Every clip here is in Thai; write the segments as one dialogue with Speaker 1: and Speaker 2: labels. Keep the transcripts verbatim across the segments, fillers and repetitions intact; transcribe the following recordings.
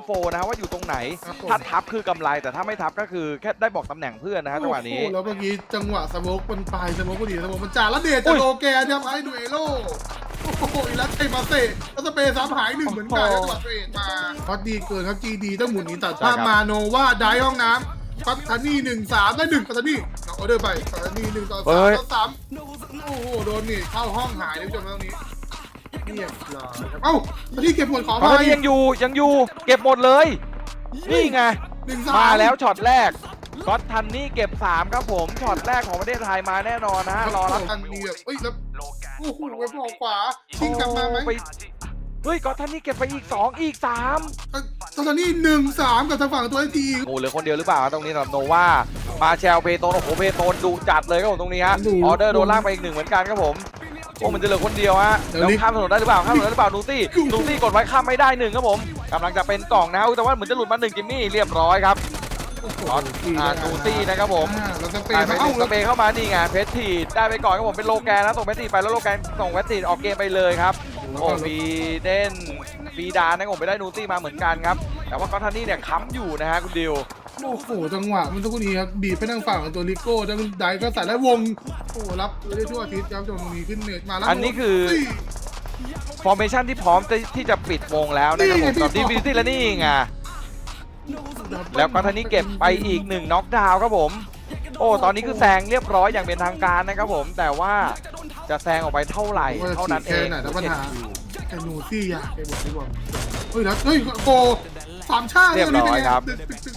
Speaker 1: โฟนะฮะว่าอยู่ตรงไหนถ้าทับคือกำไรแต่ถ้าไม่ทับก็คือแค่ได้บอกตำแหน่งเพื่อนนะฮะจังหวะนี้
Speaker 2: แล้วเมื่อกี้จังหวะสโมกมันปลายสโมกพอดีสโมกมันจ่าแล้วเดชจะโลแกนครับไอ้ดูเอโร่โอ้โหอีลัสเทมาเซ่แล้วสเปย์ซ้ำหายหนึ่งเหมือนกันจังหวะเทรดมาพอดีเกินครับจีดีต้องหมุนนี้ตัดภาพมาโนว่าได้ห้องน้ำปัตตานีหนึ่งสามได้หนึ่งปัตตานีเอาออเดอร์ไปปัตตานีหนึ่งต่อสามต่อสามโอ้โหโดนนี่เข้าห้องหายเลยผู้ชมตรงนี้เรียบร้อยครับเอ้าปัตตานีเก็บหมดขอ
Speaker 1: ปัต
Speaker 2: ไป
Speaker 1: ตานียังอยู่ยังอยู่เก็บหมดเลยนี่ไงมาแล้วช็อตแรกก็อตทันนี่เก็บสามครับผมช็อตแรกของประเทศไทยมาแน่นอนนะฮะรอรับ
Speaker 2: ทันดีแบบเอ้ยแล้วโอ้โหเว็บออกขวาชิงกลับมาไหม
Speaker 1: เฮ้ยก็อตทันนี่เก็บไปอีกสองอีกสาม
Speaker 2: ตอนนี้หนึ่งสามกับทางฝั่งตัวไอที
Speaker 1: โอ้เหลือคนเดียวหรือเปล่าตรงนี้สำหรับโนวามาแชลเปโตนโอ้โหเปโตนดุจัดเลยครับผมตรงนี้ฮะออเดอร์โดนลากไปอีกหนึ่งเหมือนกันครับผมโอ้มันจะเหลือคนเดียวฮะแล้วข้ามถนนได้หรือเปล่าข้ามถนนได้หรือเปล่านูซี่นูซี่กดไว้ข้ามไม่ได้หนึ่งครับผมกำลังจะเป็นกล่องนะแต่ว่าเหมือนจะหลุดมาหนึ่งจิมมี่เรียบร้อยครับอ่านูซี่นะครับผม
Speaker 2: เราสเป
Speaker 1: ได้
Speaker 2: ย์
Speaker 1: ไป
Speaker 2: มา
Speaker 1: ห
Speaker 2: เอ้า
Speaker 1: นึ่งสเปย์เข้ามานี่ไงเพชรทีได้ไปก่อนครับผมเป็นโลแกนนะส่งเพชรทีไปแล้วโลแกนส่งเพชรทีออกเกมไปเลยครับโอ้ฟีเดนฟีดานะครับผมไปได้นูซี่มาเหมือนกันครับแต่ว่าก็อตทันนี่เนี่ยค้ำอยู่นะฮะคุณดิว
Speaker 2: โอ้โหจังหวะมันทุกนี้ครับบีบไปทางฝั่งของตัวลิโก้แล้วไดก็ใส่แล้ววงโอ้รับได้ทั่วอาทิตย์ครับจนตรงนี้ขึ้นเน็ตมาแล้ว
Speaker 1: อันนี้คือฟอร์เมชันที่พร้อมที่จะปิดวงแล้วนะครับผมกับดีฟินิตี้และนี่ไงแล้วก็ทันนี้เก็บไปอีกหนึ่งน็อกดาวน์ครับผมโอ้ตอนนี้คือแซงเรียบร้อยอย่างเป็นทางการนะครับผมแต่ว่าจะแซงออกไปเท่าไหร่เท่านั้นเอง
Speaker 2: แต่ปัญหาไอ้หนูซี่อยากไอ้บอกที่บอกเฮ้ยแล้วเฮ้ยโกสามชาติ
Speaker 1: เรียบร้อยครับ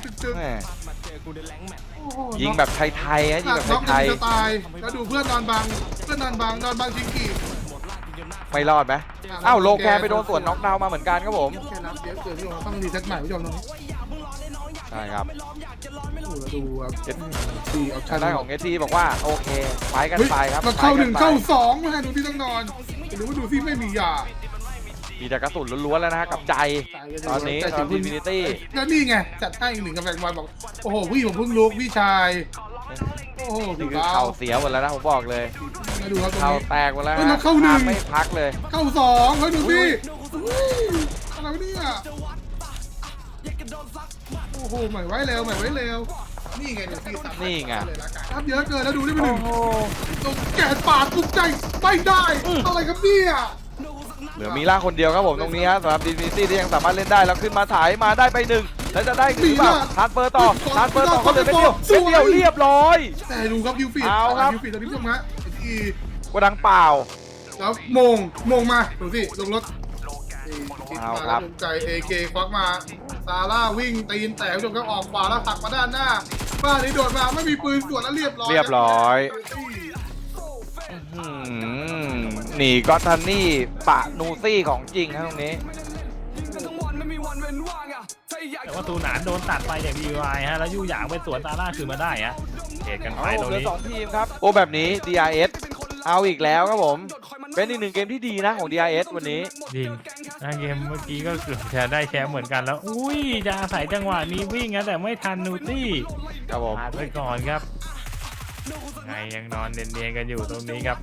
Speaker 1: ยิงแบบไทยๆฮะยิงแบบไทย
Speaker 2: ๆตายแล้วดูเพื่อนนอนบังเพื่อนนอนบังนอนบังชิงกี้
Speaker 1: ไม่รอดไหมอ้าวโลแกนไปโดนส่วนน็อกดาวน์มาเหมือนกันครับผม
Speaker 2: แค่นับเยอะเกินที่เราต้องรีเซ็ตใหม่ผู้ชมตรงนี้
Speaker 1: ใช่ครับ
Speaker 2: ดูครับสี่ออปชั่น
Speaker 1: ได้ของเอทีบอกว่าโอเคไปกันไปครับ
Speaker 2: มันเข้าหนึ่งเข้าสองมาดูที่ต้องนอนหรือว่าดูที่ไม่มียา
Speaker 1: มีแต่กระสุนล้วนๆแล้วนะฮะกับใจตอนนี้ตอนอินฟินิตี้
Speaker 2: แล้วนี่ไงจัดให้อีกหนึ่งกาแฟบอลบอกโอ้โหพี่ผมเพิ่งลุกพี่ชายโอ้โห
Speaker 1: นี่คือเข่าเสียหมดแล้วนะผมบอกเลย
Speaker 2: มาดูครับตรง
Speaker 1: เข่า
Speaker 2: นี้
Speaker 1: แตกหมดแล้ว
Speaker 2: เข้าหนึ่ง
Speaker 1: ไม่พักเลย
Speaker 2: เข้าสองเฮ้ยดูสิอะไรเนี่ยโอ้โหใหม่ไว้เร็วใหม่ไว้เร็วนี่ไงเดี๋ยวพี่ตัด
Speaker 1: นี่ไง
Speaker 2: เลยละกันครับเยอะเกินแล้วดูนี่เป็นห
Speaker 1: โอ้
Speaker 2: นึ่ง
Speaker 1: โห
Speaker 2: ตรงแกะปาดทุกใจไม่ได้อะไรครับเนี่ย
Speaker 1: เหลือมีล่าคนเดียวครับผมตรงนี้ฮะสำหรับอินฟินิตี้ที่ยังสามารถเล่นได้แล้วขึ้นมาถ่ายมาได้ไปหนึ่งแล้วจะได้หรือเปล่าทานเฟอร์ต่อทานเฟอร์ต่อเขาเหลือเป็นเดียวเป็นเดียวเรียบร้อย
Speaker 2: แต่ดูครับคิวฟีด
Speaker 1: เอาครับ
Speaker 2: คิวฟีดตอนนี้ผู้ชมฮะที่
Speaker 1: กระดังเปล่า
Speaker 2: แล้วโมงโมงมาดูสิลงรถ
Speaker 1: เอาครับ
Speaker 2: ใจเอเคควักมาซาร่าวิ่งตีนแต่ผู้ชมก็ออกขวาแล้วผลักมาด้านหน้าบ้านนี้โดดมาไม่มีปืนสวนแล้วเรียบร้อย
Speaker 1: เรียบร้อยหนีก็อตทันนี่ปะนูซี่ของจริงครับตรงนี้
Speaker 3: แต่ว่าตูหนานโดนตัดไปอย่างดีวายฮะแล้วยู่หยางไปสวนตาล่าคืนมาได้ฮะเหตุกันไป
Speaker 1: เอา
Speaker 3: ตรง
Speaker 1: เหลือ
Speaker 3: นี้
Speaker 1: สองทีมครับโอ้แบบนี้ ดี อาร์ เอส เอาอีกแล้วครับผมเป็นอีกหนึ่งเกมที่ดีนะของ ดี อาร์ เอส วันนี้
Speaker 3: จริงนะเกมเมื่อกี้ก็เกือบจะได้แชมป์เหมือนกันแล้วอุ้ยจะอาศัยจังหวะนี้วิ่งนะแต่ไม่ทันนูตี้
Speaker 1: ครับผม
Speaker 3: พลาดไปก่อนครับไงยังนอนเนียนๆกันอยู่ตรงนี้ครับ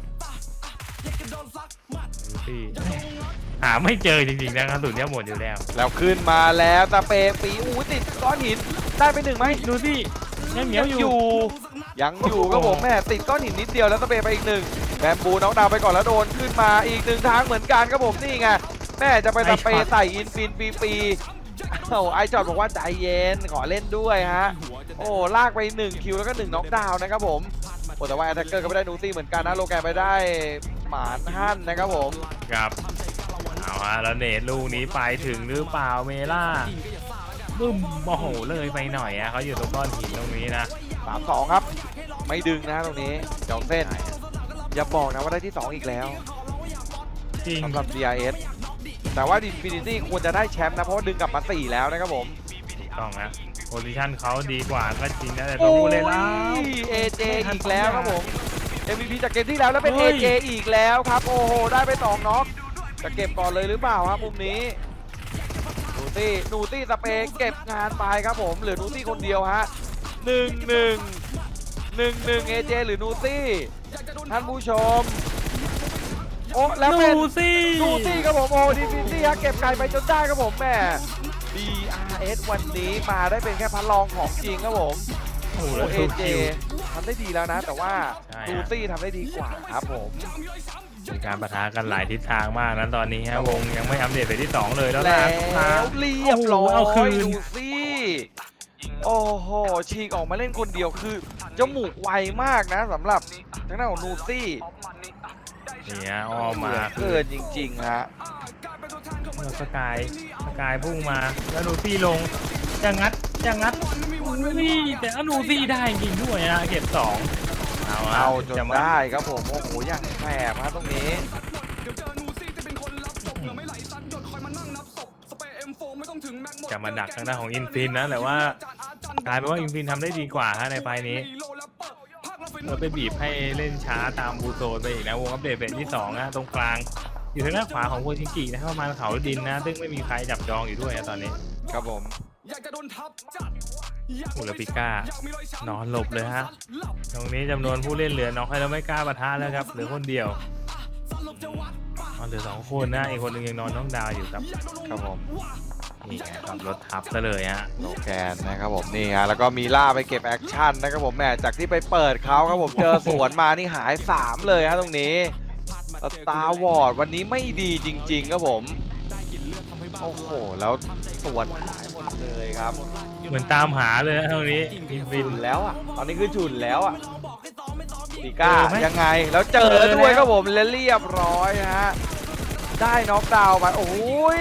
Speaker 3: นูตี้หาไม่เจอจริงๆนะกระสุนเนี่ยหมดอยู่แล้ว
Speaker 1: แล้วขึ้นมาแล้วตะเปปีอู้ติดก้อนหินได้ไปหนึ่งไหม
Speaker 3: นูตี้ยังเหนียวอยู่
Speaker 1: อยู่ยังอยู่ครับผมแม่ติดก้อนหินนิดเดียวแล้วตะเปไปอีกหนึ่งแบมบูน้องดาวไปก่อนแล้วโดนขึ้นมาอีกหนึ่งทางเหมือนกันครับผมนี่ไงแม่จะไปตะเปใส่อินฟินปีปีโอ้ไอจอดบอกว่าใจเย็นขอเล่นด้วยฮะโอ้ลากไปหนึ่งคิวแล้วก็หนึ่งน็อกดาวน์นะครับผมโอ้แต่ว่าแอตแทคเกอร์ก็ไม่ได้นูซี่เหมือนกันนะโลแกนไปได้หมานฮั่นนะครับผม
Speaker 3: ครับเอาฮะแล้วเนตลูกนี้ไปถึงหรือเปล่าเมล่าบึ้มโอ้โหเลยไปหน่อยอะเขาอยู่ตรงก้อนหินตรงนี้นะ
Speaker 1: สามสองครับไม่ดึงนะตรงนี้จองเส้นอย่าบอกนะว่าได้ที่สองอีกแล้ว
Speaker 3: จริง
Speaker 1: สำหรับ ดี อาร์ เอส แต่ว่า Infinity ควรจะได้แชมป์นะเพราะว่าดึงกลับมาสี่แล้วนะครับผม
Speaker 3: ต้องนะโพซิชันเขาดีกว่าก็จริงนะแต่ตัวผู้เล่นแล้ว
Speaker 1: เอเจอีกแล้วครับผม เอ็ม วี พี จากเกมที่แล้วแล้วเป็น
Speaker 3: เฮ้
Speaker 1: เอย เจอีกแล้วครับโอ้โหได้ไปสองน็อกจะเก็บก่อนเลยหรือเปล่าครับมุมนี้นูตี้นูตี้สเปย์เก็บงานไปครับผมเหลือนูตี้คนเดียวฮะหนึ่งหนึ่งหนึ่งหนึ่งเอเจหรือนูตี้ท่านผู้ชมโอ้แล้วเป็น
Speaker 3: นูซี่
Speaker 1: นูซี่ครับผมโอ้ดีฟินซี่ฮะเก็บไก่ไปจนได้ครับผมแม่ดี อาร์ เอส วันนี้มาได้เป็นแค่พันรองของจริงครับผม
Speaker 3: โอ้โห
Speaker 1: โอ้
Speaker 3: แล้ว
Speaker 1: เอ
Speaker 3: ทู
Speaker 1: เจ
Speaker 3: คิว
Speaker 1: ทำได้ดีแล้วนะ แต่ว่า
Speaker 3: ใช่
Speaker 1: ดู
Speaker 3: ฮะ
Speaker 1: ซี่ทำได้ดีกว่าครับผม
Speaker 3: มีการปะทะกันหลายทิศทางมากนั้นตอนนี้ฮะวงยังไม่อัปเดตไปที่สองเลยแล้ว
Speaker 1: แล้
Speaker 3: นะ
Speaker 1: วเรียบร้อ
Speaker 3: โอ้โหเอาคื
Speaker 1: ย
Speaker 3: น
Speaker 1: ดูซี่โอ้โหฉีกออกมาเล่นคนเดียวคือจมูกไวมากนะสำหรับทางด้านของนูซี่
Speaker 3: เนี่ยอ้อมมา
Speaker 1: เกินจริงๆฮะ
Speaker 3: แล้วสกายสกายพุ่งมาแล้วนูซี่ลงจะงัดจะงัดอุ้ยแต่อนูซี่ได้จริงด้วยนะเก็บสองเอาฮะ
Speaker 1: เอาจน
Speaker 3: จะมา
Speaker 1: ได้ครับผมโอ้โหอย่างแสบฮะตรงนี้
Speaker 3: จะมาดักทางด้านของอินฟินนะแต่ว่ากลายเป็นว่าอินฟินทำได้ดีกว่าฮะในไฟล์นี้เราไปบีบให้เล่นช้าตามบูโซนไปอีกนะวงอัปเดตเป็นที่สองนะตรงกลางอยู่ทางด้านขวาของโคชิงกินะครับประมาณเขาดินนะซึ่งไม่มีใครจับจองอยู่ด้วยนะตอนนี้
Speaker 1: ครับผม
Speaker 3: อุลปิก้านอนหลบเลยฮะตรงนี้จำนวนผู้เล่นเหลือน้อยแล้วไม่กล้าปะทะแล้วครับเหลือคนเดียวอ๋อเหลือสองคนนะอีกคนหนึงยังนอนน้องดาวอยู่ครับ
Speaker 1: ครับผม
Speaker 3: นี่ไงขับรถทับซะเลยฮะ
Speaker 1: โลแกนนะครับผมนี่ฮะแล้วก็มีล่าไปเก็บแอคชั่นนะครับผมแหมจากที่ไปเปิดเขาครับผมเจอสวนมานี่หายสามเลยฮะตรงนี้สตาร์วอร์ดวันนี้ไม่ดีจริงๆครับผมโอ้โหแล้วสวนหายหมดเลยครับ
Speaker 3: เหมือนตามหาเลยนะตรงนี้อินฟิน
Speaker 1: ฉุนแล้วอ่ะตอนนี้คือฉุนแล้วอ่ะดีก้า
Speaker 3: เจอไหม
Speaker 1: ยังไงแล้วเจอ
Speaker 3: เจอแล้ว
Speaker 1: ด้วยครับผมและเรียบร้อยฮะได้น็อกดาวน์ไปโอ้ย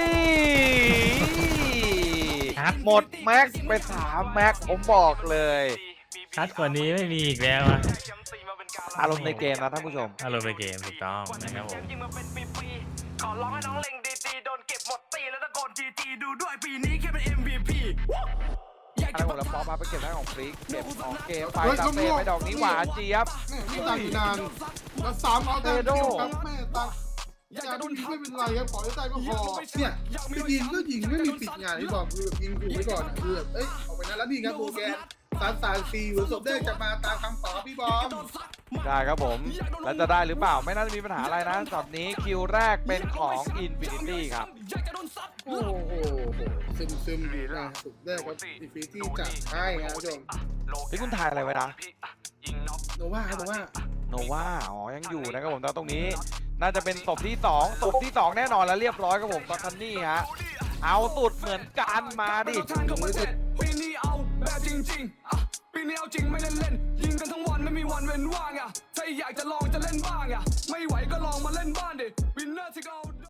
Speaker 3: ชัด
Speaker 1: หมดแม็กซ์ไปสามแม็กซ์ผมบอกเลย
Speaker 3: ชัดกว่านี้ไม่มีอีกแล้วอะ
Speaker 1: อารมณ์ในเกมนะท่านผู้ชม
Speaker 3: อารมณ์ในเกมถูกต้องนะครับผม
Speaker 4: ขอร้องให้น้องเล็งดีๆโดนเก็บหมดตีแล้วตะโกนจีจีดูด้วยปีนี้แค่เป็น เอ็ม วี พี อยาก
Speaker 1: อะไร
Speaker 4: จะ
Speaker 1: หมดแล้วฟอมาไปเก็บได้ของฟรีกเก็บของเกมไป
Speaker 2: เฮ้ย
Speaker 1: ตามเตะ
Speaker 2: ลูก
Speaker 1: ไปดอกนี้หวานเจี๊ยบ
Speaker 2: แม่ไม่ต่างอยู่นานแล้วสามเอาแต่เดียวครับแม่ตังอยากโดนไม่เป็นไรครับขอให้ได้ก็พอเนี่ยไปยิงก็ยิงไม่มีปิดงานที่บอกคือแบบยิงขู่ไว้ก่อนอะคือแบบเอ้ยออกไปนั้นแล้วนี่ครับโบแกนสามสามสี่หัวศพได้จะมาตามคำขอพี่บอม
Speaker 1: ได้ครับผม แล้วจะได้หรือเปล่าไม่น่าจะมีปัญหาอะไรนะช็อตนี้คิวแรกเป็นของ Infinity ครับ
Speaker 2: โอ้โหซึมซึมๆอยู่นะสุดแรกครับอินฟินิตี้จัดให้ครับผู้ชม
Speaker 1: ที่คุณถ่ายอะไรไว้นะ
Speaker 2: โนว่าครับโนว่า
Speaker 1: โนว่าอ๋อยังอยู่นะครับผมแต่ตรงนี้ น่าจะเป็นศพที่สองศพที่สองแน่นอนแล้วเรียบร้อยครับผมตอนคันนี่ฮะเอาสุดเหมือนกันมาดิ
Speaker 4: ปีนี้เอาแบบจริงๆอ่ะปีนี้เอาจริงไม่เล่นเล่นๆยิงกันทั้งวันไม่มีวันเว้นว่างอ่ะถ้าอยากจะลองจะเล่นบ้างอ่ะไม่ไหวก็ลอง